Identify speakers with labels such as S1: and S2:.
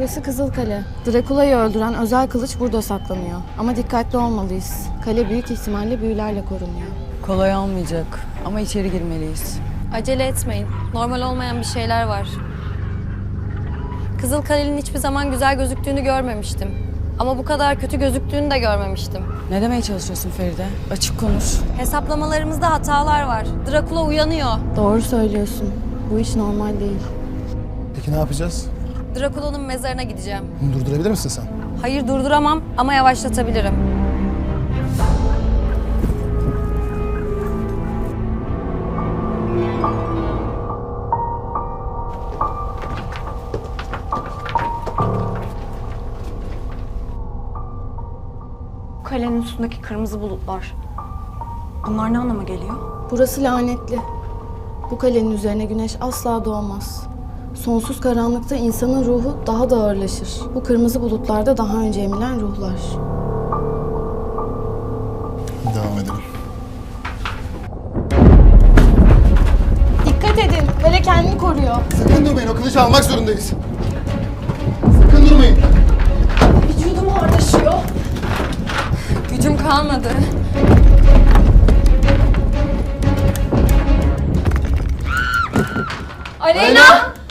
S1: Burası Kızılkale. Drakula'yı öldüren özel kılıç burada saklanıyor. Ama dikkatli olmalıyız. Kale büyük ihtimalle büyülerle korunuyor.
S2: Kolay olmayacak ama içeri girmeliyiz.
S3: Acele etmeyin. Normal olmayan bir şeyler var. Kızılkale'nin hiçbir zaman güzel gözüktüğünü görmemiştim. Ama bu kadar kötü gözüktüğünü de görmemiştim.
S2: Ne demeye çalışıyorsun Feride? Açık konuş.
S3: Hesaplamalarımızda hatalar var. Drakula uyanıyor.
S1: Doğru söylüyorsun. Bu iş normal değil.
S4: Peki ne yapacağız?
S3: Drakula'nın mezarına gideceğim.
S4: Bunu durdurabilir misin sen?
S3: Hayır, durduramam ama yavaşlatabilirim.
S5: Kalenin üstündeki kırmızı bulutlar. Bunlar ne anlama geliyor?
S1: Burası lanetli. Bu kalenin üzerine güneş asla doğmaz. Sonsuz karanlıkta insanın ruhu daha da ağırlaşır. Bu kırmızı bulutlarda daha önce emilen ruhlar.
S4: Devam edelim.
S1: Dikkat edin, kale kendini koruyor.
S4: Sakın durmayın, o kılıcı almak zorundayız. Sakın durmayın.
S1: Vücudum ağırlaşıyor.
S3: Gücüm kalmadı. Aleyna!